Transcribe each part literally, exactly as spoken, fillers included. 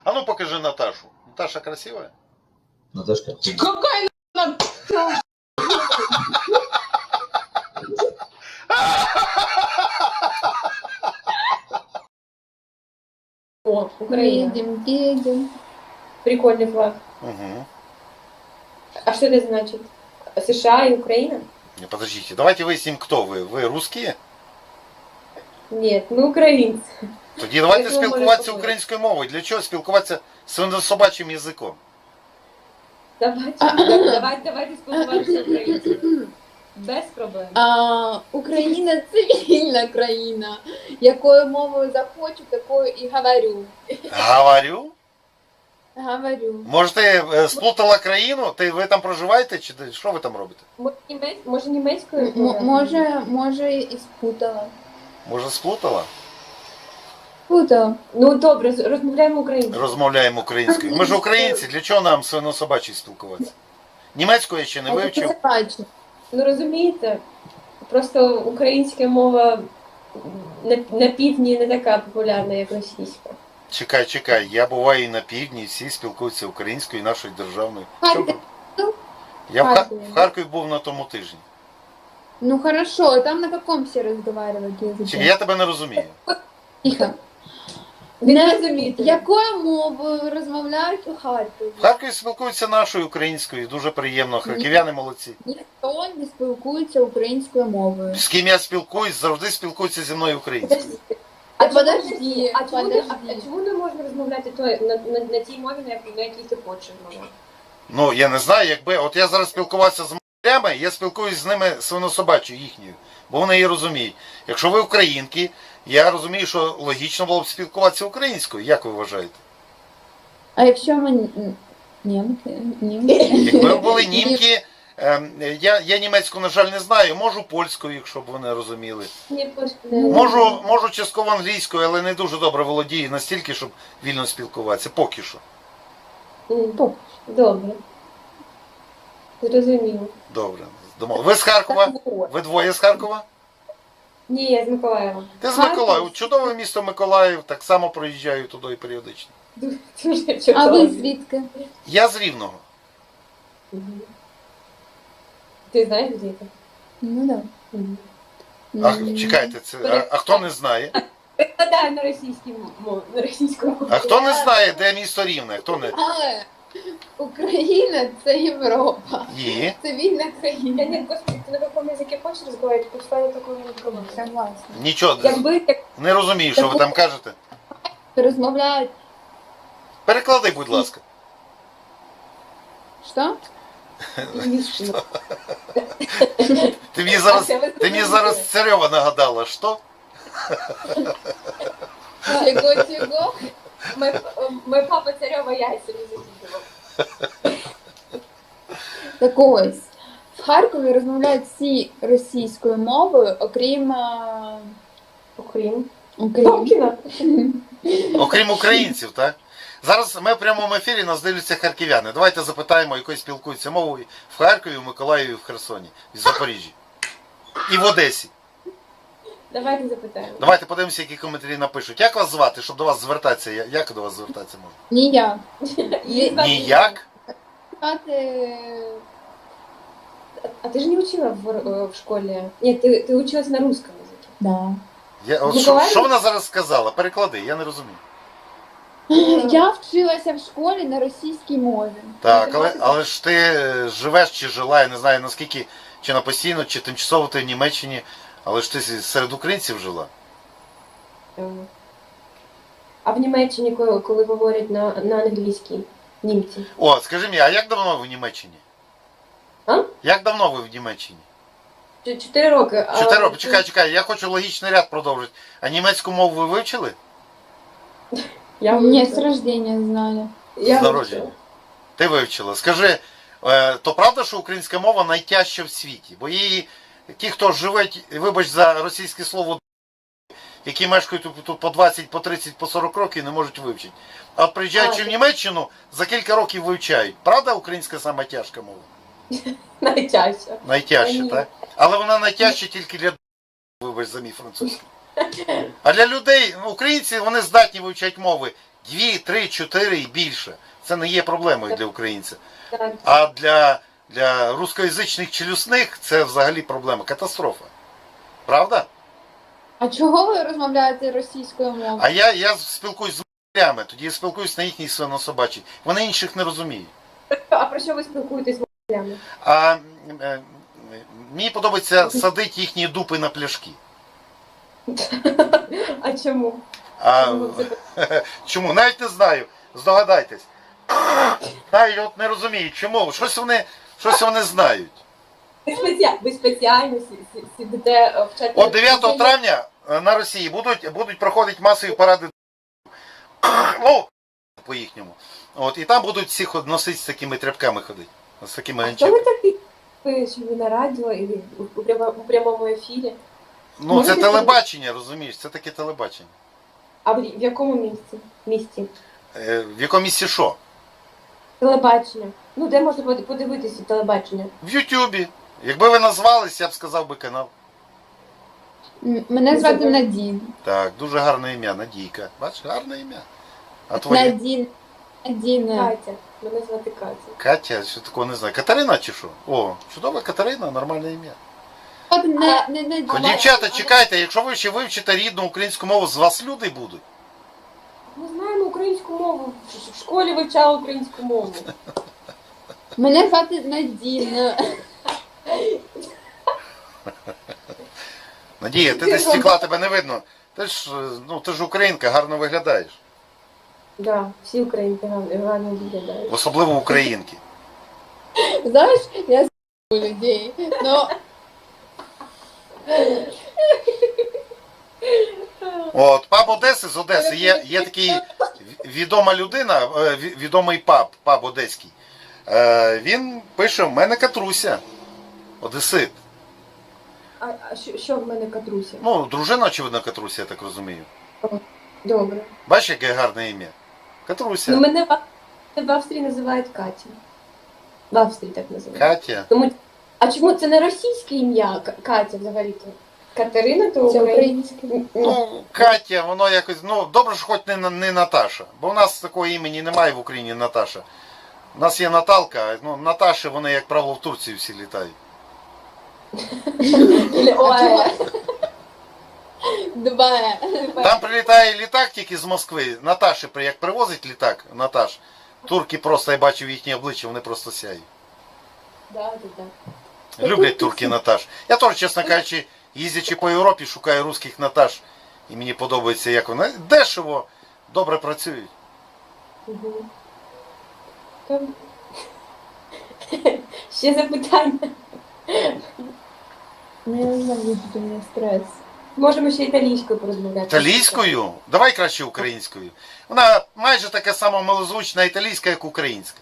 А ну покажи Наташу. Наташа красивая? Наташка. Какая она... О, Украина. Едем, едем. Прикольный флаг. Угу. А что это значит? США и Украина? Не, подождите, давайте выясним, кто вы. Ви русские? Нет, мы украинцы. Тоді давайте Як ви спілкуватися можете українською мовою. Для чого спілкуватися свинособачим язиком? Давайте, давайте, давайте спілкуватися українцями. Без проблем. А, Україна це вільна країна. Якою мовою захочу, такою і говорю. Говорю. Говорю. Може, ти е, сплутала країну? Ти, ви там проживаєте? Чи ти- що ви там робите? Може, німець, може німецькою? М- може, може і спутала. Може, сплутала? Спутала. Ну добре, з- розмовляємо українською. Розмовляємо українською. Ми ж українці, для чого нам свинособачий спілкуватися? Німецьку я ще не А я вивчив. це бачу. Ну розумієте, просто українська мова на, на півдні не така популярна, як російська. Чекай, чекай, я буваю і на півдні, всі спілкуються українською, нашою державною. Харків. Що? Я в, Ха- Харкові. в Харкові був на тому тижні. Ну хорошо, там на каком все разговаривают Чекай, языке? я тебе не розумію. Тихо. Ви не Не- розумієте. Якою мовою розмовляють у Харкові? В Харкові спілкуються нашою українською, дуже приємно. Харків'яни молодці. Ніхто не спілкується українською мовою. З ким я спілкуюсь, завжди спілкуються зі мною українською. А А подожди, а чому, не- подожди. а, а чому не можна розмовляти то, на, на, на тій мові, на, як- на якій ти хочеш розмовляти? Ну, я не знаю, якби. От я зараз спілкувався з матерями, я спілкуюсь з ними свинособачою їхньою, бо вони її розуміють. Якщо ви українки, я розумію, що логічно було б спілкуватися українською. Як ви вважаєте? А якщо ми н- німки, німки? Якби ви були німки, ем, я, я німецьку, на жаль, не знаю, можу польською, якщо б ви не розуміли. Ні, пос- не- Можу, можу частково англійською, але не дуже добре володію настільки, щоб вільно спілкуватися. Поки що. М, Поки Добре. Зрозуміло. Добре. Домов- Ви з Харкова? Так, от. Ви двоє з Харкова? Ні, я з Миколаєва. Ти з Харків. Миколаєва. Чудове місто Миколаїв, так само проїжджаю туди періодично. Дуже А чудово. ви звідки? Я з Рівного. Мгм. Ти знаєш, де це? Ну да. Мгм. А, М. чекайте, це, а, а хто не знає? Перекладаю на російській мові, на російську мову. А хто не знає, де місто Рівне? Хто не? Але Україна це Європа. Є. Це вільна Я країна. не, господи, ти на якому язикі хочеш розмовляти, пошла я такого не пробую. Согласна. Нічого, Якби як не розумію, що ви там кажете. Розмовляють. Переклади, будь ласка. Що? Ти мені зараз, ти мені зараз Царьова нагадала, що? Чого, чого? Мой, мой папа Царьова яйця не закидував. Так ось. В Харкові розмовляють всі російською мовою, окрім а, Окрім. окрім. Добкіна. Окрім українців, так? Зараз ми в прямому ефірі, нас дивляться харків'яни. Давайте запитаємо, якою спілкуються мовою в Харкові, в Миколаєві, в Херсоні, в Запоріжжі. І в Одесі. Давайте запитаємо. Давайте подивимося, які коментарі напишуть. Як вас звати, щоб до вас звертатися? Я- Як до вас звертатися можна? Ніяк. Її звати- Ніяк? Звати А ты же не учила в, э, в школе? Нет, ты, ты училась на русском языке. Да. Я, от, що, Миколаїв? що вона зараз сказала? Переклади, я не розумію. Я вчилася в школі на російській мові. Так, але, але ж ти е, живеш чи жила, я не знаю наскільки, чи на постійно, чи тимчасово ти в Німеччині, але ж ти серед українців жила. Е, А в Німеччині, коли, коли говорять на, на англійській німці? О, скажи мені, а як давно ви в Німеччині? А? Як давно ви в Німеччині? Ч- Чотири роки. а- Чотири роки. Чекай, чекай, я хочу логічний ряд продовжити. А німецьку мову ви вивчили? Я Ні, з вивчила. рождення знаю. Я З вивчила. народження. Ти вивчила. Скажи, е, то правда, що українська мова найтяжча в світі? Бо її, ті, хто живуть, вибач за російське слово, які мешкають тут- тут по двадцять, по тридцять, по сорок років, не можуть вивчити. А от приїжджаючи А, в Німеччину, за кілька років вивчають. Правда, українська сама тяжка мова? Найтяжче. Найтяжча, Ні. так? Але вона найтяжча тільки для вибач за мій французький. А для людей, ну, українці, вони здатні вивчати мови дві, три, чотири і більше. Це не є проблемою для українця. Так. А для, для рускоязичних челюсних це взагалі проблема, катастрофа. Правда? А чого ви розмовляєте російською мовою? А я, я спілкуюсь з морями, тоді я спілкуюсь на їхній свинособачій. Вони інших не розуміють. А про що ви спілкуєтесь з мовлями? А е, мені подобається садити їхні дупи на пляшки. А чому? А, Чому це- чому? Навіть не знаю. Здогадайтесь. Навіть от не розумію, чому. Щось вони, щось вони знають. Ви, спеціально, ви спеціально сі- сі- сидите е, вчати. От дев'ятого травня е, на Росії будуть, будуть проходити масові паради. Ну, по їхньому. От, і там будуть всі ход- носити з такими тряпками ходити. З такими А хто ви ганчами. такий? Ви, що ви на радіо і у, у, прямо- у прямому ефірі? Ну, це Можете телебачення, розумієш, це таке телебачення. А в, в якому місці? Місті? Е, в якому місці що? Телебачення. Ну, де можна под- подивитися телебачення? В Ютубі. Якби ви назвались, я б сказав би канал. М, Мене звати Надін. Так, дуже гарне ім'я, Надійка. Бачиш, гарне ім'я. А твоє? Надін. Надіна. Катя. Мене звати Катя. Катя, що такого не знаю. Катерина чи що? О, чудова Катерина, нормальне ім'я. От не, не Ну, Надіна. дівчата, чекайте, якщо ви ще вивчите рідну українську мову, з вас люди будуть. Ми знаємо українську мову. В- В школі вивчала українську мову. Мене звати Надіна. Надія, ти десь стекла, тебе не видно. Ти ж, е, ну, ти ж українка, гарно виглядаєш. Да, всі українки гарно гарно виглядають. Особливо українки. Знаєш, я з людей. Ну, От, паб Одеси з Одеси. Є, є такий відома людина, е, ві- відомий паб, паб одеський. Е, Він пише, в мене Катруся. Одесит. А, а що, що в мене Катруся? Ну, дружина, очевидно, Катруся, я так розумію. Добре. Бачиш, яке гарне ім'я? Катруся. Ну, мене в, в Австрії називають Катя. В Австрії так називають. Катя. Тому, а чому це не російське ім'я К- Катя взагалі-то? Катерина, то це українське. українське. Ну, Катя, воно якось, ну, добре, що хоч не, на- не Наташа. Бо в нас такого імені немає в Україні Наташа. У нас є Наталка, ну, Наташі, вони, як правило, в Турції всі літають. Ой, Два. Там прилітає літак тільки з Москви. Наташі, при- як привозить літак, Наташ, турки просто, я бачив їхні обличчя, вони просто сяють. да, да, да. Люблять турки Наташ. Я теж, чесно кажучи, їздячи по Європі, шукаю русських Наташ. І мені подобається, як вони дешево, добре працюють. Угу. Там... Ще запитання. Ну, я не знаю, у мене стрес. Можемо ще італійською порозмовляти. Італійською? Давай краще українською. Вона майже така сама малозвучна італійська, як українська.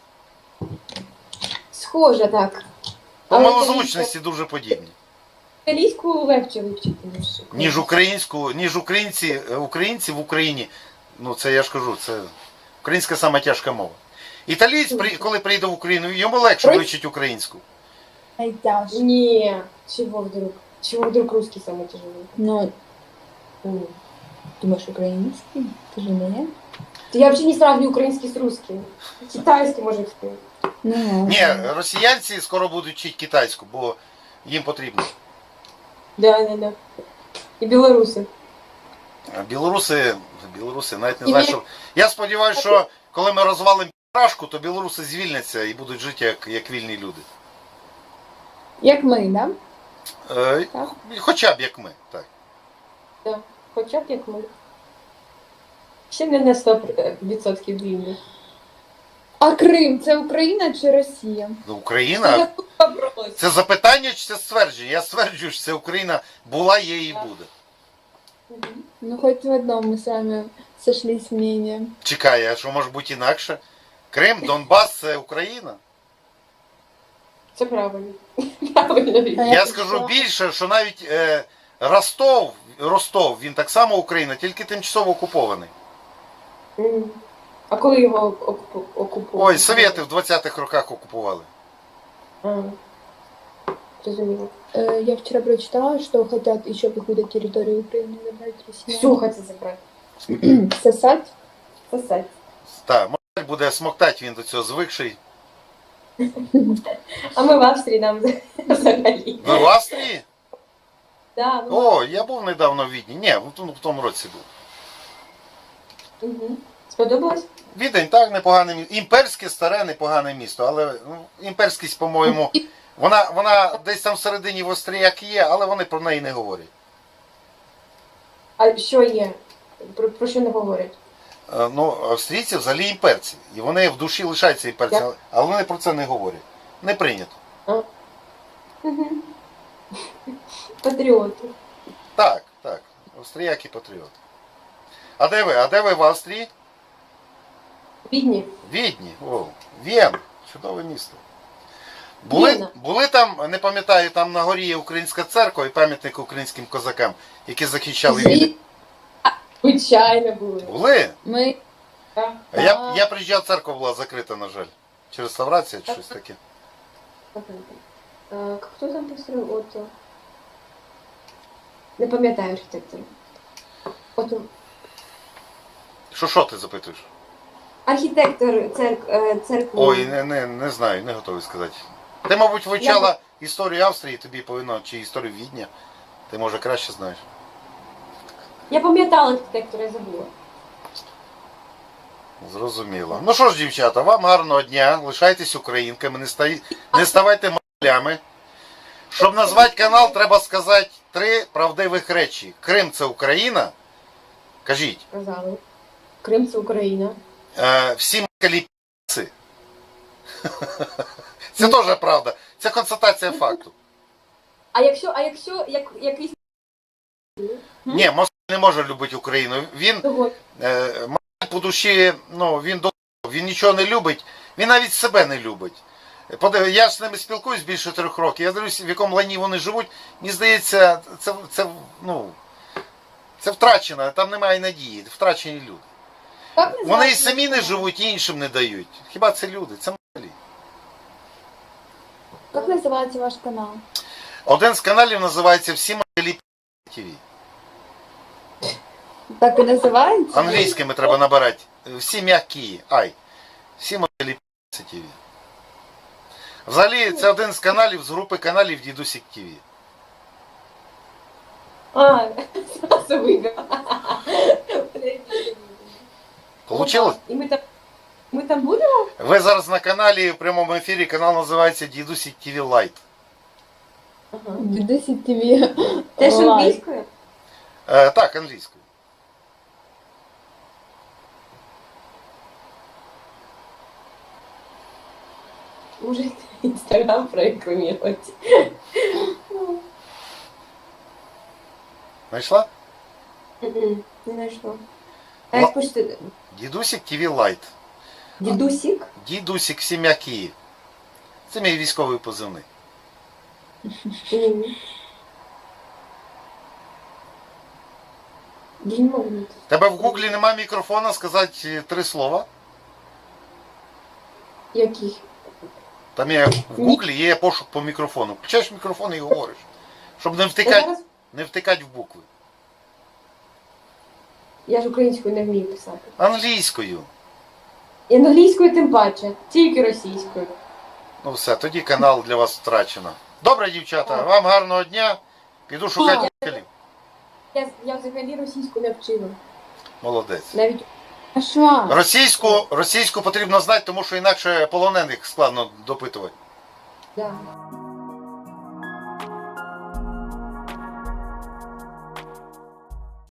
Схоже, так. По Але малозвучності дуже подібні. Італійську легше вивчити, ніж Ніж українську, ніж українці, українці в Україні. Ну це я ж кажу, це українська сама тяжка мова. Італієць, при- коли прийде в Україну, йому легше Ой. вивчити українську. Найтяжче. Ні, чого вдруг? Чего вдруг русский самый тяжелый? Ну, М. думаешь, украинский? Ты же не? Я вообще не сравниваю украинский с русским. Китайский, может, сказать. Ну, Ні, росіянці скоро будуть вчити китайську, бо їм потрібно. Да, да, да. И белорусы. А білоруси, білоруси навіть не І знаю, ви- що. Я сподіваюся, що коли ми розвалимо рашку, то білоруси звільняться і будуть жити як, як вільні люди. як ми, да? Е, Так. Хоча б як ми. Так. Да. Хоча б як ми. Ще не на сто відсотків вільні. А Крим це Україна чи Росія? Ну, Україна. Вопрос. Це запитання чи це ствердження? Я стверджую, що це Україна була, є і буде. Ну, хоть в одном мы с вами сошлись мнением. Чекай, а що може бути інакше? Крим, Донбас це Україна. Це правильно. Правильно. Віка. А Я як скажу що? більше, що навіть е, Ростов, Ростов, він так само Україна, тільки тимчасово окупований. М. А коли його окупу- окупували? Ой, совєти в двадцятих роках окупували. А. Зрозуміло. Э, Я вчера прочитала, что хотят еще какую-то территорию Украины забрать Россия. Всю хочеться забрати. Сосать? Сосать. Так, Москаль буде смоктати, він до цього звикший. А ми в Австрії нам взагалі. Ви в Австрії? Да, ми... О, я був недавно в Відні. Ні, в тому- в тому році був. Угу. Сподобалось? Відень так, непогане місто. Імперське, старе, непогане місто, але ну, імперськість, по-моєму, вона, вона десь там всередині в Австріяк є, але вони про неї не говорять. А що є? Про, про що не говорять? Е, Ну, австрійці взагалі імперці. І вони в душі лишаються імперцями, Як? але вони про це не говорять. Не прийнято. Угу. Патріоти. Так, так. Австріяки патріоти. А де ви? А де ви в Австрії? Бідні. Відні. О, Вєн. Чудове місто. Були, Вєна. були там, не пам'ятаю, там на горі є українська церква і пам'ятник українським козакам, які захищали Відень. Звичайно були. Були? Ми Так. А Я, я приїжджав, церква була закрита, на жаль. Чи реставрація, чи щось таке. А, хто там построїв? От, о, не пам'ятаю архітектора. От, о, Що, що ти запитуєш? архітектор церк, е, церкви. Ой, не, не, не знаю, не готовий сказати. Ти, мабуть, вивчала історію Австрії, тобі повинно, чи історію Відня. Ти, може, краще знаєш. Я пам'ятала архітектора, я забула. Зрозуміло. Ну що ж, дівчата, вам гарного дня. Лишайтесь українками, не, стаї... не ставайте молями. Щоб назвати канал, треба сказати три правдивих речі. Крим це Україна. Кажіть. Казали. Крим це Україна. Е, всі москалі пі***ці. Це теж правда. Це констатація факту. А якщо, а якщо як, якийсь Ні, Москаль не може любити Україну. Він того, е, Москаль по душі, ну, він до він нічого не любить, він навіть себе не любить. Подив- Я ж з ними спілкуюсь більше трьох років. Я дивлюсь, в якому лані вони живуть. Мені здається, це, це, ну, це втрачено, там немає надії, втрачені люди. як Вони і називається самі не ваш живуть, і іншим не дають. Хіба це люди? Це москалі. канал? Як називається ваш канал? Один з каналів називається «Всі москалі ТВ». Так і називається? Англійськими треба набирати. Всі м'які. Ай. Всі москалі ТВ. Взагалі, це один з каналів, з групи каналів Дідусік ТВ. а, зразу виграв. Получилось? І ми там, ми там будемо? Ви зараз на каналі в прямому ефірі, канал називається Дідусік ТВ Лайт. Ага. Дідусі ТВ. Теж Лайк. англійською? Е, так, англійською. Може, інстаграм прорекламувати. Знайшла? Мгм, не знайшла. А Ла- як пишете? Дідусік ТВ Лайт. Дідусік? Дідусік всі м'які. Це мій військовий позивний. Мгм. Я не можу знайти. Тебе в гуглі нема мікрофона сказати е, три слова. Який? Там є в гуглі є пошук по мікрофону. Включаєш мікрофон і говориш. Щоб не Я втикати, зараз не втикати в букви. я ж українською не вмію писати. Англійською. І англійською тим паче, тільки російською. Ну все, тоді канал для вас втрачено. Добре, дівчата, вам гарного дня. Піду шукати москалів. Я, я взагалі російську не вчила. Молодець. Навіть А що? Російську, російську потрібно знати, тому що інакше полонених складно допитувати. да.